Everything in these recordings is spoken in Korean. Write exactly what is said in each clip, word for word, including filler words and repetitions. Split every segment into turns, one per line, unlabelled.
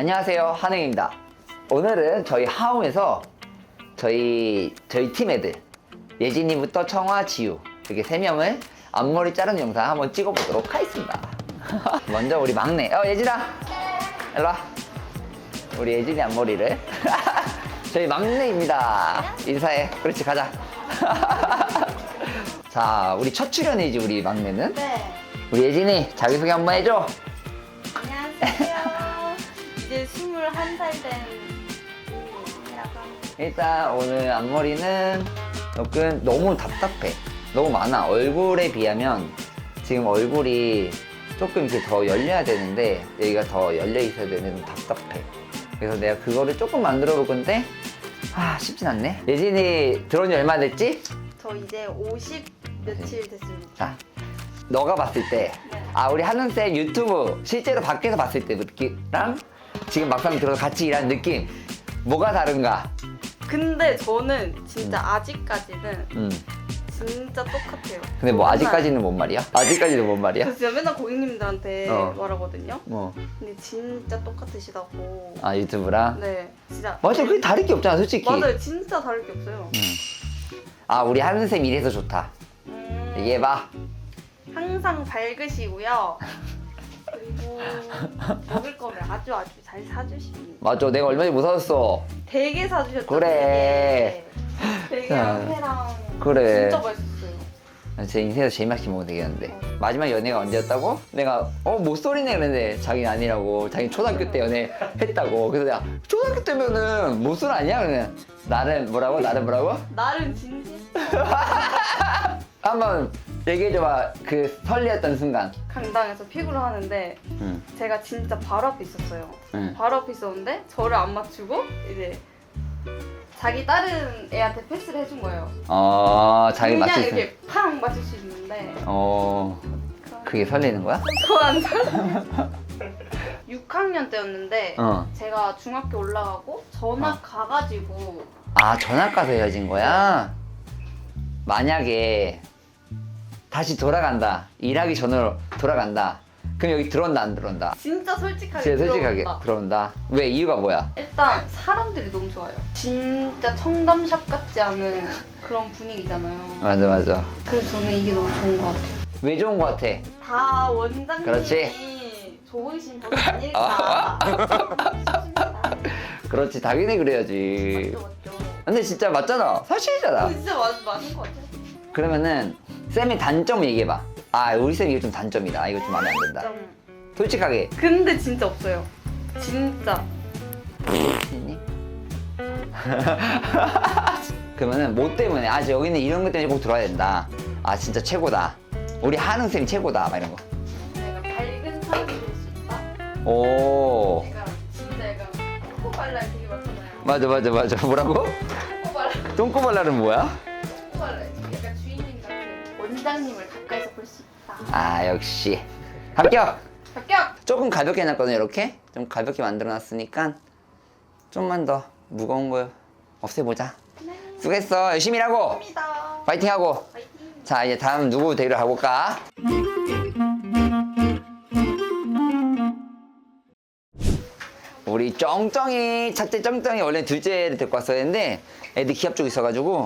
안녕하세요, 한웅입니다. 오늘은 저희 하움에서 저희 저희 팀 애들 예진이부터 청아, 지우 이렇게 세 명을 앞머리 자르는 영상 한번 찍어보도록 하겠습니다. 먼저 우리 막내, 어 예진아, 일로 와. 우리 예진이 앞머리를 저희 막내입니다. 인사해. 그렇지, 가자. 자, 우리 첫 출연이지, 우리 막내는.
네.
우리 예진이 자기소개 한번 해줘.
안녕하세요. 이제 스물한 살 된 예진이라고 합니다.
일단 오늘 앞머리는 조금 너무 답답해. 너무 많아. 얼굴에 비하면 지금 얼굴이 조금 이렇게 더 열려야 되는데 여기가 더 열려 있어야 되는데 좀 답답해. 그래서 내가 그거를 조금 만들어 볼 건데 아 쉽진 않네. 예진이 들어온 지 얼마 됐지?
저 이제 오십 며칠 됐습니다.
자, 너가 봤을 때 아 우리 한은쌤 유튜브 실제로 밖에서 봤을 때 느낌랑 지금 막상 들어서 같이 일하는 느낌 뭐가 다른가?
근데 저는 진짜 아직까지는
음.
진짜 똑같아요.
근데 뭐
맨날.
아직까지는 뭔 말이야? 아직까지는 뭔 말이야?
저 진짜 맨날 고객님들한테
어.
말하거든요.
뭐.
근데 진짜 똑같으시다고.
아 유튜브랑?
네, 진짜.
맞아, 그게 다를 게 없잖아 솔직히.
맞아요, 진짜 다를 게 없어요.
음. 아 우리 한은쌤 이래서 좋다.
음,
얘기해봐.
항상 밝으시고요. 그리고 먹을 거를 아주 아주 잘 사주십니다.
맞아, 내가 얼마 전에 못 사줬어.
되게 사주셨죠.
그래.
되게
자,
회랑
그래.
진짜 맛있었어요.
제 인생에서 제일 맛있게 먹은 되겠는데. 마지막 연애가 언제였다고? 내가 어 못소리네 그랬는데 자기는 아니라고. 자기 초등학교 때 연애 했다고. 그래서 내가 초등학교 때면은 못소리 아니야? 그러면 나는 뭐라고? 나는 뭐라고?
나름 진심.
한번 얘기해줘봐. 그 설레었던 순간.
강당에서 피구를 하는데
응.
제가 진짜 바로 앞에 있었어요.
응.
바로 앞에 있었는데 저를 안 맞추고 이제 자기 다른 애한테 패스를 해준 거예요.
어 자기
그냥
맞출 수.
이렇게 팡 맞출 수 있는데
어 그게 설레는 거야?
저안 육 학년 때였는데
어.
제가 중학교 올라가고 전학
어.
가가지고
아 전학 가서 헤어진 거야? 만약에 다시 돌아간다. 일하기 전으로 돌아간다. 그럼 여기 들어온다 안 들어온다?
진짜 솔직하게
진짜 솔직하게
들어온다.
들어온다. 왜 이유가 뭐야?
일단 사람들이 너무 좋아요. 진짜 청담샵 같지 않은 그런 분위기잖아요.
맞아 맞아.
그래서 저는 이게 너무 좋은 것 같아요.
왜 좋은 거 같아?
다 원장님이
그렇지.
좋으신 분 아닐까 싶습니다.
그렇지, 당연히 그래야지.
맞죠, 맞죠.
근데 진짜 맞잖아. 사실이잖아.
그거 진짜 맞, 맞는 것 같아요.
그러면은 쌤의 단점 얘기해봐. 아 우리 쌤 이거 좀 단점이다. 이거 좀 마음에 안 든다.
좀.
솔직하게.
근데 진짜 없어요. 진짜.
있니? 그러면은 뭐 때문에 아 여기는 이런 것 때문에 꼭 들어야 된다. 아 진짜 최고다. 우리 한웅 쌤 최고다. 막 이런 거.
내가 밝은 사람이 될 수 있다.
오.
내가 진짜 약간 코코발랄 되게 많잖아요.
맞아 맞아 맞아. 뭐라고?
코코발랄.
똥꼬발랄은 뭐야?
코코발랄. 약간 주인님 같은 원장님을 가까이서 볼 수 있다.
아 역시 합격.
합격.
조금 가볍게 해놨거든요. 이렇게 좀 가볍게 만들어놨으니까 좀만 더 무거운 거 없애보자.
네.
수고했어. 열심히 일하고
합니다.
파이팅하고.
파이팅.
자 이제 다음 누구 대결 가볼까? 우리 쩡쩡이, 첫째 쩡쩡이 원래 둘째를 데리고 왔어야 했는데 애들 기합 쪽 있어가지고.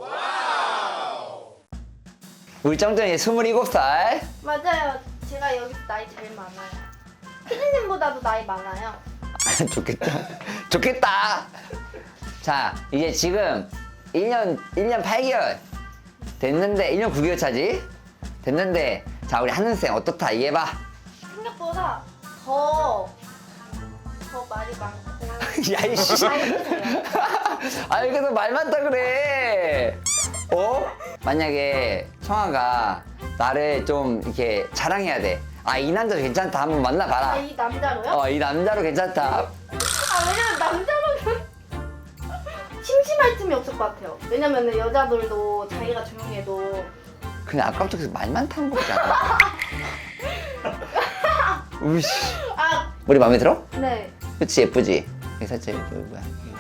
우리 쩡쩡이 스물일곱 살.
맞아요. 제가 여기서 나이 제일 많아요. 피디님보다도 나이 많아요.
좋겠다. 좋겠다. 자, 이제 지금 일 년, 일 년 팔 개월 됐는데, 일 년 구 개월 차지? 됐는데, 자, 우리 한은쌤 어떻다? 얘기해봐.
생각보다 더, 더 말이 많고.
야, 이씨. 아니, 그래서 말 많다 그래. 어? 만약에 청아가 나를 좀 이렇게 자랑해야 돼. 아, 이 남자 괜찮다. 한번
아,
만나봐라.
이 남자로요?
어, 이 남자로 괜찮다.
아, 왜냐면 남자로는 심심할 틈이 없을 것 같아요. 왜냐면 여자들도 자기가 조용해도
그냥 아까부터 계속 말 많다는 거잖아. 우씨.
아,
머리 마음에 들어?
네.
그치, 예쁘지? 여기 살짝 이렇게, 뭐야.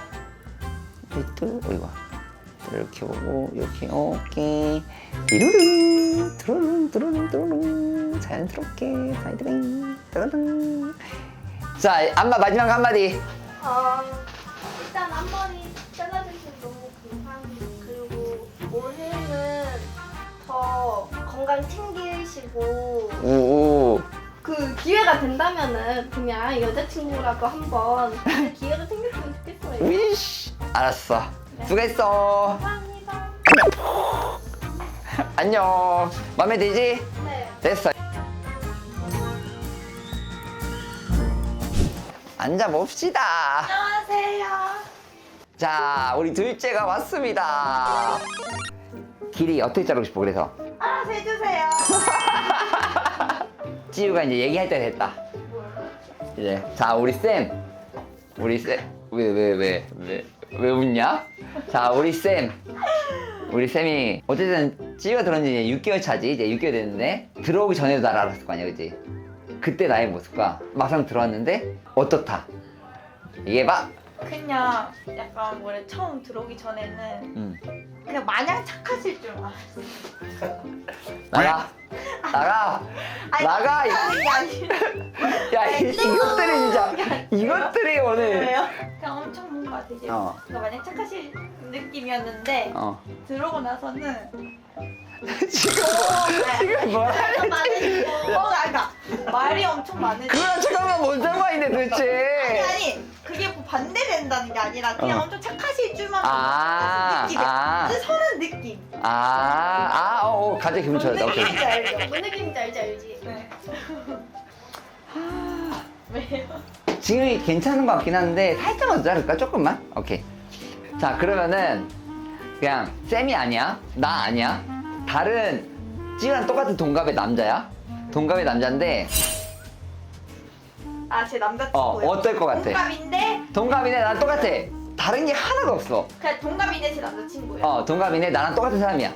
이렇게, 어이구. 이렇게 보고, 이렇게, 오케이. 띠루룽, 뚜루룽, 뚜루룽, 뚜루룽. 자연스럽게, 사이드뱅, 뚜루룽. 자, 안마 마지막 한마디.
어, 일단 앞머리 잘라주셔서 너무 감사합니다. 그리고 올해는 더 건강 챙기시고
오.
그 기회가 된다면은 그냥 여자친구라도 한번 기회가 생겼으면 좋겠어요.
위시. 알았어. 수고했어.
감사합니다.
안녕. 마음에 들지?
네.
됐어. 앉아봅시다.
안녕하세요.
자, 우리 둘째가 왔습니다. 길이 어떻게 자르고 싶어, 그래서?
알아서 해주세요.
찌우가 이제 얘기할 때 됐다. 이제. 자, 우리 쌤. 우리 쌤. 왜, 왜, 왜, 왜, 왜 웃냐? 자, 우리 쌤. 우리 쌤이, 어쨌든 찌우가 들어온 지 이제 육 개월 차지. 이제 육 개월 됐는데, 들어오기 전에도 나를 알았을 거 아니야, 그지? 그때 나의 모습과 막상 들어왔는데, 어떻다? 얘기해봐.
그냥 약간 원래 처음 들어오기 전에는
응.
그냥 마냥 착하실 줄 알았어.
나가. 나가. 나가. 이-
하는 게 아니라
야, 이- 이것들이 진짜. 이것들이 오늘.
왜요? 그냥 엄청 뭔가 되게
어.
그러니까 마냥 착하실 느낌이었는데
어.
들어오고 나서는
지금 뭐, 지금 뭐
말도 많으시고.
어, 그러니까 말이 엄청 많으시.
그거랑 잠깐만 뭔 상관인데
아니
도대체.
아니 그게 뭐 반대된다는 게 아니라 그냥
어.
엄청 착하실 줄만
아,
느낌이
아.
그 서는 느낌.
아, 아, 어, 어, 갑자기 기분 좋았다. 오케이.
느낌인지 알죠?
뭔 느낌인지 알지 알지?
네. 왜요?
지금이 괜찮은 것 같긴 한데 살짝만 더 자를까? 조금만? 오케이. 자, 그러면은 그냥 쌤이 아니야, 나 아니야, 다른 찌랑 똑같은 동갑의 남자야. 동갑의 남자인데
아 제 남자친구요.
어, 어떨 것 같아?
동갑인데
동갑이네, 나랑 똑같아. 다른 게 하나도 없어.
그냥 동갑인데 제 남자친구예요.
어, 동갑이네, 나랑 똑같은 사람이야.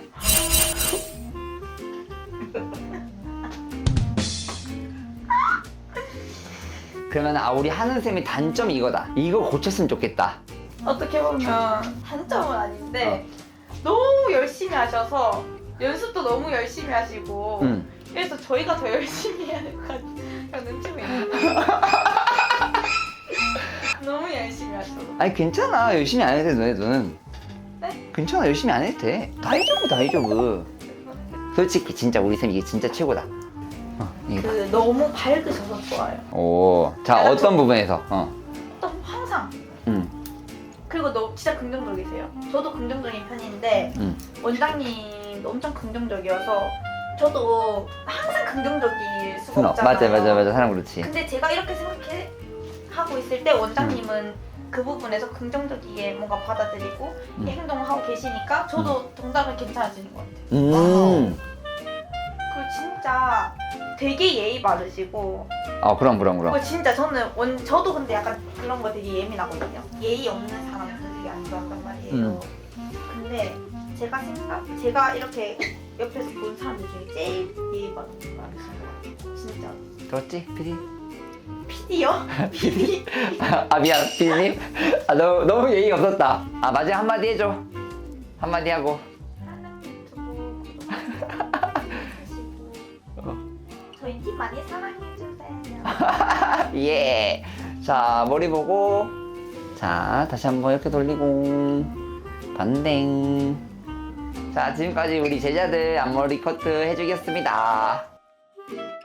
그러면 아, 우리 하는 쌤의 단점이 이거다. 이거 고쳤으면 좋겠다.
어떻게 보면 단점은 아닌데 너무 열심히 하셔서 연습도 너무 열심히 하시고
응.
그래서 저희가 더 열심히 해야 될 것 같아요. 그냥 눈치 보이는 너무 열심히 하셔서
아니 괜찮아, 열심히 안 해도 돼 너네들은.
네?
괜찮아, 열심히 안 해도 돼. 다이저브 다이저브. 솔직히 진짜 우리 쌤 이게 진짜 최고다. 어, 이게 봐.
그 너무 밝으셔서 좋아요.
오, 자 어떤 부분에서? 어,
또 항상
응,
그리고 너 진짜 긍정적이세요. 저도 긍정적인 편인데
응.
원장님도 엄청 긍정적이어서 저도 항상 긍정적일 수가
어,
없잖아요.
맞아, 맞아, 맞아, 사람 그렇지.
근데 제가 이렇게 생각해 하고 있을 때 원장님은 그 부분에서 긍정적이게 뭔가 받아들이고
음.
행동을 하고 계시니까 저도 동작은 괜찮아지는 것 같아요.
음,
그리고 진짜 되게 예의 바르시고
어 그럼 그럼 그럼.
어, 진짜 저는 원 저도 근데 약간 그런 거 되게 예민하거든요. 예의 없는 사람도 되게 안 좋아한단 말이에요.
음.
근데 제가 생각 제가 이렇게 옆에서 본 사람들 중에 제일 예의 바른 사람이신 것 같아요. 진짜.
들었지, 피디?
피디요? 피디?
아 미안, 피디님. 아 너무 너무 예의 없었다. 아 마지막 한마디 해줘. 한마디 하고.
하는 유튜브 구독하시고 저희 팀 많이 사랑해주세요.
예. 자, 머리 보고. 자, 다시 한번 이렇게 돌리고. 반댕. 자, 지금까지 우리 제자들 앞머리 커트 해주겠습니다.